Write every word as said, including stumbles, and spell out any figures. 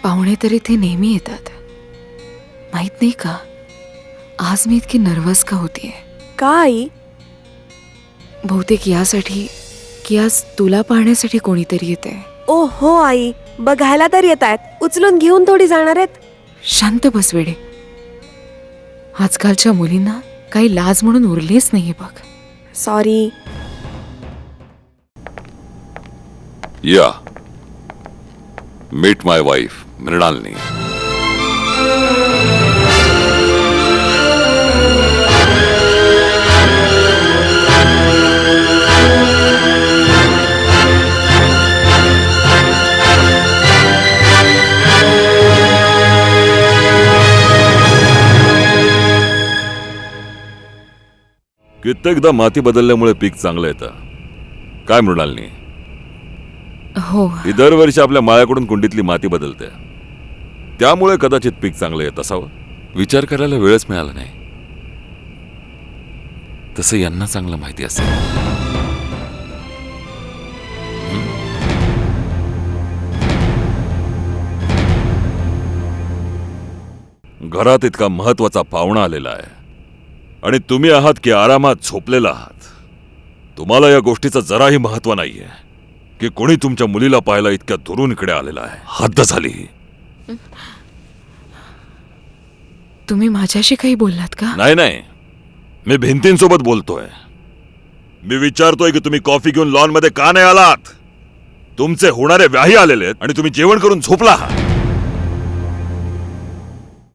पाहुणे तर इथे नेहमी येतात. माहित नाही का आज मी इतकी नर्वस का होतीये? का आई? बहुतेक यासाठी की आज तुला पाहण्यासाठी कोणीतरी येते. ओ हो आई, बघायला तर येत आहेत, उचलून घेऊन थोडी जाणार आहेत. शांत बस वेडे. आजकालच्या मुलींना काही लाज म्हणून उरलीच नाही बघ. सॉरी. या मीट माय वाईफ मृणालिनी. कित्येकदा माती बदलल्यामुळे पीक चांगलं येतं. काय मृणालिनी? हो, ही दरवर्षी आपल्या माळ्याकडून कुंडीतली माती बदलते, त्यामुळे कदाचित पीक चांगलं येत असावं. विचार करायला वेळच मिळाला नाही. तसं यांना चांगलं माहिती असेल. घरात इतका महत्वाचा पाहुणा आलेला आहे आणि तुम्ही आहात की आरामात झोपलेला आहात. तुम्हाला या गोष्टीचं जराही महत्व नाहीये की कोणी तुमच्या मुलीला पाहायला इतक्या दुरून इकडे आलेला आहे. हद्द झाली. तुम्ही माझ्याशी काही बोललात का? नाही नाही, मी भिंतींसोबत बोलतोय. मी विचारतोय की तुम्ही कॉफी घेऊन लॉन मध्ये का नाही आलात? तुमचे होणारे व्याही आलेले आहेत आणि तुम्ही जेवण करून झोपला आहात.